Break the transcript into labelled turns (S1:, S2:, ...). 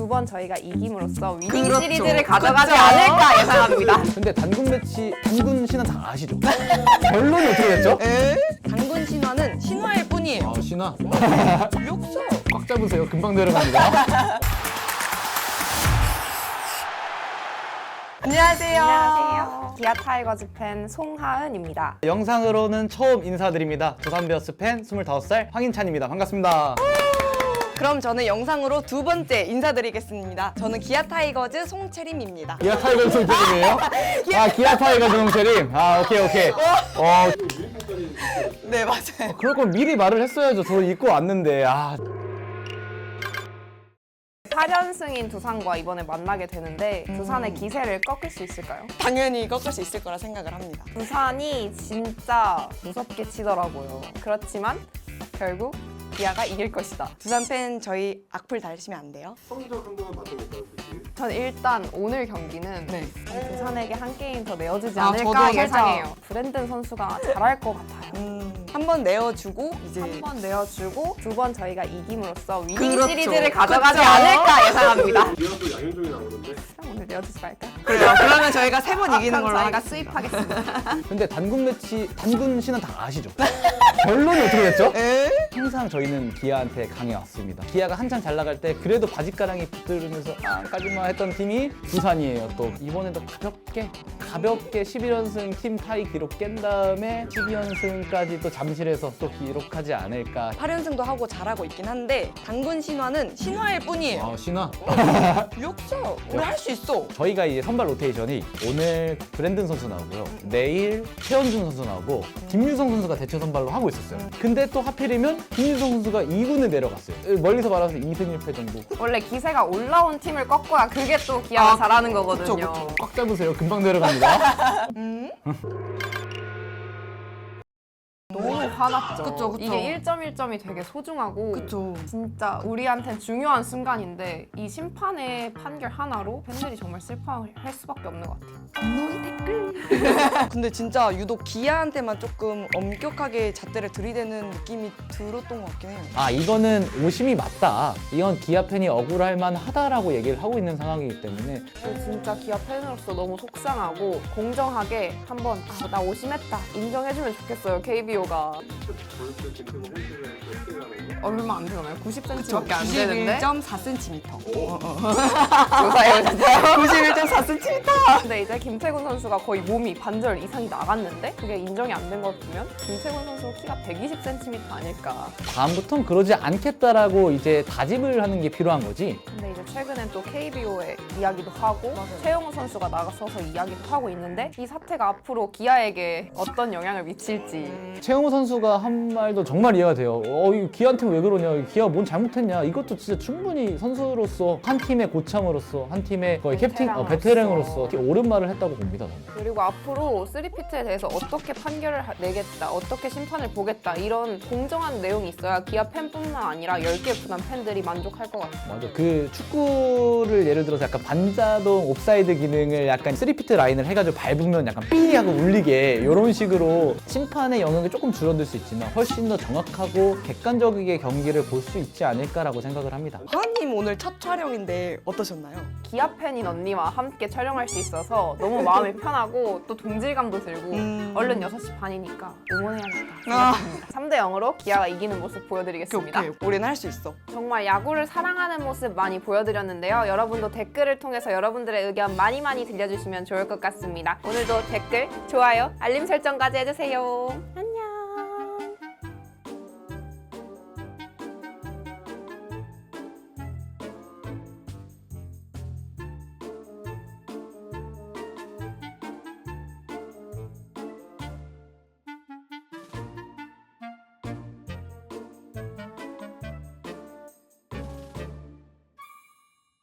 S1: 두 번 저희가 이김으로써 위닝
S2: 그렇죠.
S1: 시리즈를 가져가지
S2: 그렇죠.
S1: 않을까 예상합니다.
S3: 근데 단군 매치, 단군 신화 다 아시죠? 결론이 어떻게 됐죠?
S2: 당군 신화는 신화일 뿐이에요.
S3: 아, 신화.
S2: 역서.
S3: 꽉 잡으세요. 금방 내려갑니다.
S1: 안녕하세요. 기아 타이거즈 팬 송하은입니다.
S3: 영상으로는 처음 인사드립니다. 두산베어스 팬 25살 황인찬입니다. 반갑습니다.
S2: 그럼 저는 영상으로 두 번째 인사드리겠습니다. 저는 기아 타이거즈 송채림입니다.
S3: 기아 타이거즈 송채림이에요? 아, 기아 타이거즈 송채림. 아, 오케이.
S2: 네, 맞아요.
S3: 그럴 거면 미리 말을 했어야죠. 저 입고 왔는데. 아,
S1: 8연승인 두산과 이번에 만나게 되는데 두산의 기세를 꺾을 수 있을까요?
S2: 당연히 꺾을 수 있을 거라 생각을 합니다.
S1: 두산이 진짜 무섭게 치더라고요. 그렇지만 결국 기아가 이길 것이다.
S2: 두산 팬 저희 악플 달시면 안 돼요?
S4: 성적 한 번만 맞춰볼까요, 솔직히?
S1: 전 일단 오늘 경기는
S2: 네.
S1: 두산에게 한 게임 더 내어주지
S2: 아,
S1: 않을까
S2: 저도
S1: 예상해요. 브랜든 선수가 잘할 것 같아요.
S2: 한 번 내어주고 이제
S1: 한 번 내어주고 두 번 저희가 이김으로써 위닝
S2: 그렇죠.
S1: 시리즈를 가져가지
S2: 그렇죠.
S1: 않을까 예상합니다.
S4: 이어도 양현종이 나오는데
S1: 그럼 오늘 내어주지 말까?
S2: 그러면 저희가 세 번 이기는
S1: 그럼
S2: 걸로
S1: 저희가
S2: 하겠습니다.
S1: 수입하겠습니다.
S3: 근데 단군 매치, 단군 신화 다 아시죠? 결론이 어떻게 됐죠? 항상 저희는 기아한테 강해왔습니다. 기아가 한창 잘 나갈 때 그래도 바짓가랑이 붙들으면서 까지마 했던 팀이 두산이에요. 또 이번에도 가볍게 11연승 팀 타이 기록 깬 다음에 12연승까지 또 잠실에서 또 기록하지 않을까.
S2: 8연승도 하고 잘하고 있긴 한데 당군 신화는 신화일 뿐이에요.
S3: 아, 신화.
S2: 역서. 우리 할 수 있어.
S3: 저희가 이제 선발 로테이션이 오늘 브랜든 선수 나오고요. 내일 최원준 선수 나오고 김유성 선수가 대체 선발로 하고 있었어요. 근데 또 하필이면 김유성 선수가 2군에 내려갔어요. 멀리서 말하면서 2승 1패 정도.
S1: 원래 기세가 올라온 팀을 꺾어야 그게 또 기아가 잘하는 거거든요.
S2: 그쵸.
S3: 꽉 잡으세요. 금방 내려갑니다.
S1: 너무 화났죠.
S2: 그쵸.
S1: 이게 1점 1점이 되게 소중하고
S2: 그쵸.
S1: 진짜 우리한텐 중요한 순간인데 이 심판의 판결 하나로 팬들이 정말 슬퍼할 수밖에 없는 것 같아요.
S2: 근데 진짜 유독 기아한테만 조금 엄격하게 잣대를 들이대는 느낌이 들었던 것 같긴 해요.
S3: 아, 이거는 오심이 맞다. 이건 기아 팬이 억울할 만하다라고 얘기를 하고 있는 상황이기 때문에
S1: 저 진짜 기아 팬으로서 너무 속상하고 공정하게 한번 나 오심했다 인정해주면 좋겠어요. KBO가
S4: 저녁때 김태훈 헬스를 어떻게 가는 거?
S1: 얼마 안 되잖아요. 90cm밖에 안 되는데
S2: 91.4cm.
S1: 조사해주세요.
S2: 91.4cm.
S1: 근데 이제 김태군 선수가 거의 몸이 반절 이상이 나갔는데 그게 인정이 안 된 걸 보면 김태군 선수 키가 120cm 아닐까.
S3: 다음부턴 그러지 않겠다라고 이제 다짐을 하는 게 필요한 거지.
S1: 근데 이제 최근엔 또 KBO에 이야기도 하고 최영우 선수가 나가서서 이야기도 하고 있는데 이 사태가 앞으로 기아에게 어떤 영향을 미칠지.
S3: 최영우 선수가 한 말도 정말 이해가 돼요. 이 기아한테 왜 그러냐? 기아가 뭔 잘못했냐? 이것도 진짜 충분히 선수로서 한 팀의 고참으로서 한 팀의 거의 캡틴, 베테랑으로서 옳은 말을 했다고 봅니다. 저는.
S1: 그리고 앞으로 3피트에 대해서 어떻게 판결을 내겠다, 어떻게 심판을 보겠다 이런 공정한 내용이 있어야 기아 팬뿐만 아니라 10개 구단 팬들이 만족할 것 같아요.
S3: 맞아. 그 축구를 예를 들어서 약간 반자동 옵사이드 기능을 약간 3피트 라인을 해가지고 밟으면 약간 삐 하고 울리게 이런 식으로 심판의 영역이 조금 줄어들 수 있지만 훨씬 더 정확하고 객관적이게 경기를 볼 수 있지 않을까라고 생각을 합니다.
S2: 하은님 오늘 첫 촬영인데 어떠셨나요?
S1: 기아 팬인 언니와 함께 촬영할 수 있어서 너무 마음이 편하고 또 동질감도 들고 얼른 6시 반이니까 응원해야겠다 생각합니다. 3대 0으로 기아가 이기는 모습 보여드리겠습니다.
S2: 오케이. 우리는 할 수 있어.
S1: 정말 야구를 사랑하는 모습 많이 보여드렸는데요. 여러분도 댓글을 통해서 여러분들의 의견 많이 들려주시면 좋을 것 같습니다. 오늘도 댓글, 좋아요, 알림 설정까지 해주세요. 안녕.